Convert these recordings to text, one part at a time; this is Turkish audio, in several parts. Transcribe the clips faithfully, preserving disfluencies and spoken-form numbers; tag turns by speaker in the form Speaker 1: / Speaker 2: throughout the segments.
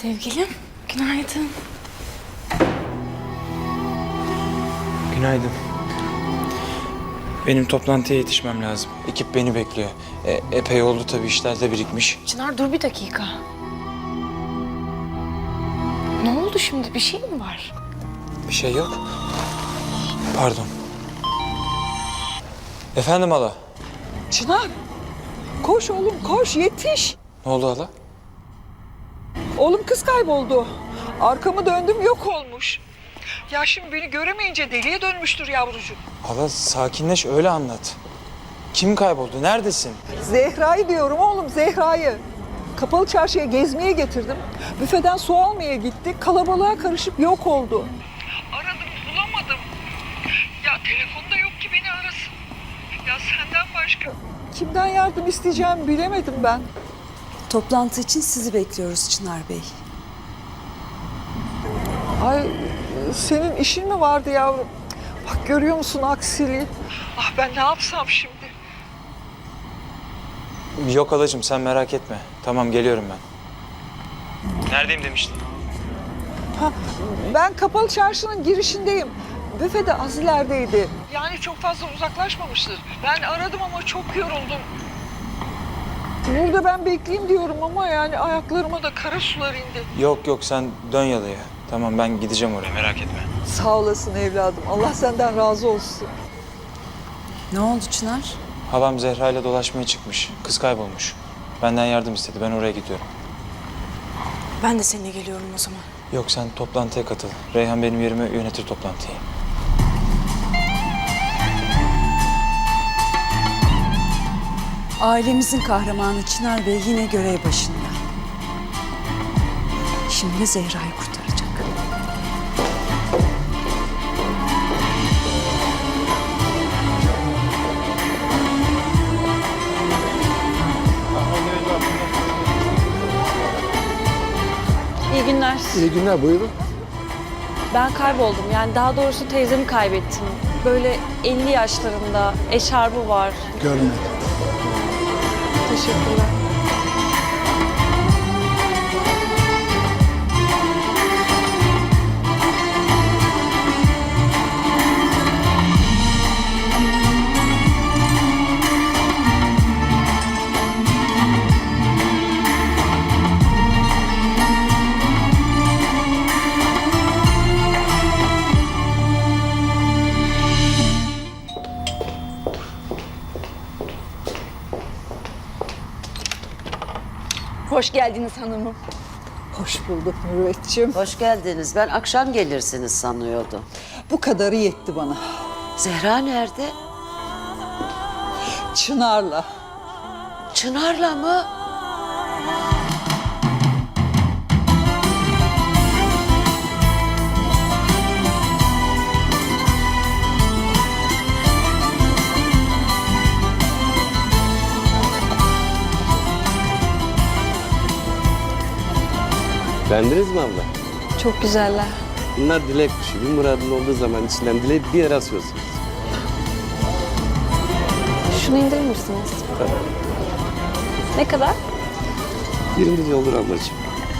Speaker 1: Sevgilim, günaydın.
Speaker 2: Günaydın. Benim toplantıya yetişmem lazım. Ekip beni bekliyor. E, epey oldu tabii, işler de birikmiş.
Speaker 1: Çınar dur bir dakika. Ne oldu şimdi? Bir şey mi var?
Speaker 2: Bir şey yok. Pardon. Efendim hala?
Speaker 3: Çınar, koş oğlum koş yetiş.
Speaker 2: Ne oldu hala?
Speaker 3: Oğlum kız kayboldu. Arkamı döndüm yok olmuş. Ya şimdi beni göremeyince deliye dönmüştür yavrucuğum.
Speaker 2: Hala sakinleş, öyle anlat. Kim kayboldu? Neredesin?
Speaker 3: Zehra'yı diyorum oğlum Zehra'yı. Kapalı çarşıya gezmeye getirdim. Büfeden su almaya gitti. Kalabalığa karışıp yok oldu. Aradım bulamadım. Ya telefonda yok ki beni arasın. Ya senden başka kimden yardım isteyeceğimi bilemedim ben.
Speaker 4: Toplantı için sizi bekliyoruz Çınar Bey.
Speaker 3: Ay senin işin mi vardı yavrum? Bak görüyor musun aksiliği? Ah ben ne yapsam şimdi?
Speaker 2: Yok halacığım, sen merak etme. Tamam, geliyorum ben. Neredeyim demiştin?
Speaker 3: Ha, ben kapalı çarşının girişindeyim. Büfe de az ilerideydi. Yani çok fazla uzaklaşmamıştır. Ben aradım ama çok yoruldum. Burada ben bekleyeyim diyorum ama yani ayaklarıma da kara sular indi.
Speaker 2: Yok yok, sen dön yalıya. Tamam, ben gideceğim oraya, merak etme.
Speaker 3: Sağ olasın evladım. Allah senden razı olsun.
Speaker 4: Ne oldu Çınar?
Speaker 2: Halam Zehra ile dolaşmaya çıkmış. Kız kaybolmuş. Benden yardım istedi. Ben oraya gidiyorum.
Speaker 1: Ben de seninle geliyorum o zaman.
Speaker 2: Yok, sen toplantıya katıl. Reyhan benim yerime yönetir toplantıyı.
Speaker 4: Ailemizin kahramanı Çınar Bey yine görev başında. Şimdi Zehra'yı kurtaracak.
Speaker 5: İyi günler.
Speaker 6: İyi günler, buyurun.
Speaker 5: Ben kayboldum. Yani daha doğrusu teyzemi kaybettim. Böyle elli yaşlarında, eşarbı var.
Speaker 6: Görmedim.
Speaker 5: Teşekkürler.
Speaker 7: Hoş geldiniz hanımım.
Speaker 3: Hoş bulduk Mürüvvetciğim.
Speaker 8: Hoş geldiniz. Ben akşam gelirsiniz sanıyordum.
Speaker 3: Bu kadarı yetti bana.
Speaker 8: Zehra nerede?
Speaker 3: Çınar'la.
Speaker 8: Çınar'la mı?
Speaker 9: Beğendiniz mi abla?
Speaker 5: Çok güzeller.
Speaker 9: Bunlar dilek kuşu. Bir muradın olduğu zaman içinden dileyip bir yere asıyorsunuz.
Speaker 5: Şunu indirir misiniz?
Speaker 9: Tabii.
Speaker 5: Ne kadar?
Speaker 9: Birinci olur ablacığım.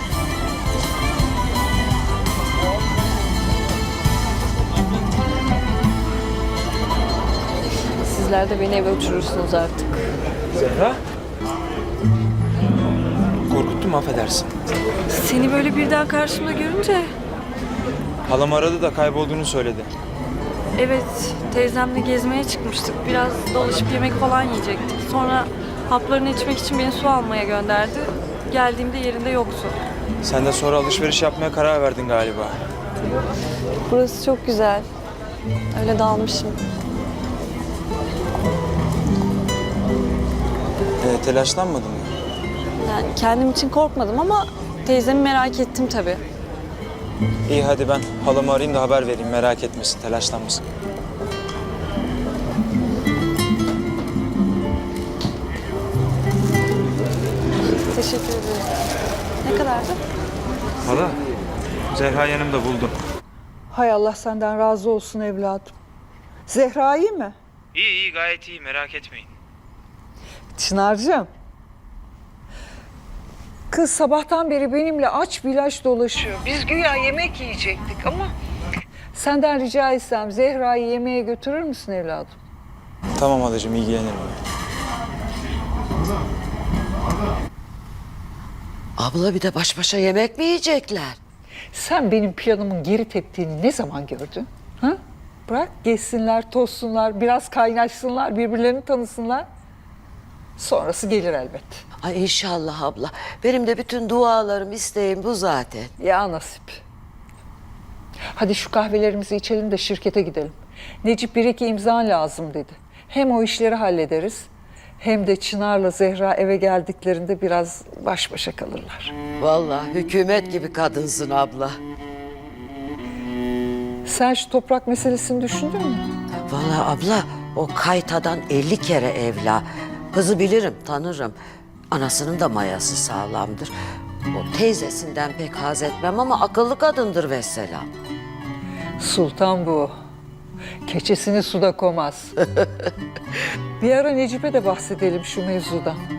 Speaker 5: Sizler de beni eve uçurursunuz artık.
Speaker 2: Zehra? Korkuttum, affedersin.
Speaker 5: Seni böyle birden karşımda görünce...
Speaker 2: Halam aradı da kaybolduğunu söyledi.
Speaker 5: Evet, teyzemle gezmeye çıkmıştık. Biraz dolaşıp yemek falan yiyecektik. Sonra haplarını içmek için beni su almaya gönderdi. Geldiğimde yerinde yoktu.
Speaker 2: Sen de sonra alışveriş yapmaya karar verdin galiba.
Speaker 5: Burası çok güzel. Öyle dalmışım.
Speaker 2: Ee, telaşlanmadın mı?
Speaker 5: Yani kendim için korkmadım ama teyzemi merak ettim tabii.
Speaker 2: İyi, hadi ben halamı arayayım da haber vereyim. Merak etmesin, telaşlanmasın.
Speaker 5: Teşekkür ederim. Ne kadardı?
Speaker 2: Hala, Zehra yanımda, buldum.
Speaker 3: Hay Allah senden razı olsun evladım. Zehra iyi mi?
Speaker 2: İyi iyi, gayet iyi, merak etmeyin.
Speaker 3: Çınar'cığım. Kız sabahtan beri benimle aç bilaç dolaşıyor. Biz güya yemek yiyecektik ama... Senden rica etsem Zehra'yı yemeğe götürür müsün evladım?
Speaker 2: Tamam halacığım, ilgilenirim ben.
Speaker 8: Abla bir de baş başa yemek mi yiyecekler?
Speaker 3: Sen benim planımın geri teptiğini ne zaman gördün? Ha? Bırak gezsinler, tozsunlar, biraz kaynaşsınlar, birbirlerini tanısınlar. Sonrası gelir elbet.
Speaker 8: Ay inşallah abla. Benim de bütün dualarım, isteğim bu zaten.
Speaker 3: Ya nasip. Hadi şu kahvelerimizi içelim de şirkete gidelim. Necip bir iki imza lazım dedi. Hem o işleri hallederiz, hem de Çınar'la Zehra eve geldiklerinde biraz baş başa kalırlar.
Speaker 8: Vallahi hükümet gibi kadınsın abla.
Speaker 3: Sen şu toprak meselesini düşündün mü?
Speaker 8: Vallahi abla o kaytadan elli kere evla. Kızı bilirim, tanırım. Anasının da mayası sağlamdır. O teyzesinden pek haz etmem ama akıllı kadındır vesselam.
Speaker 3: Sultan bu. Keçesini suda koymaz. Bir ara Necip'e de bahsedelim şu mevzudan.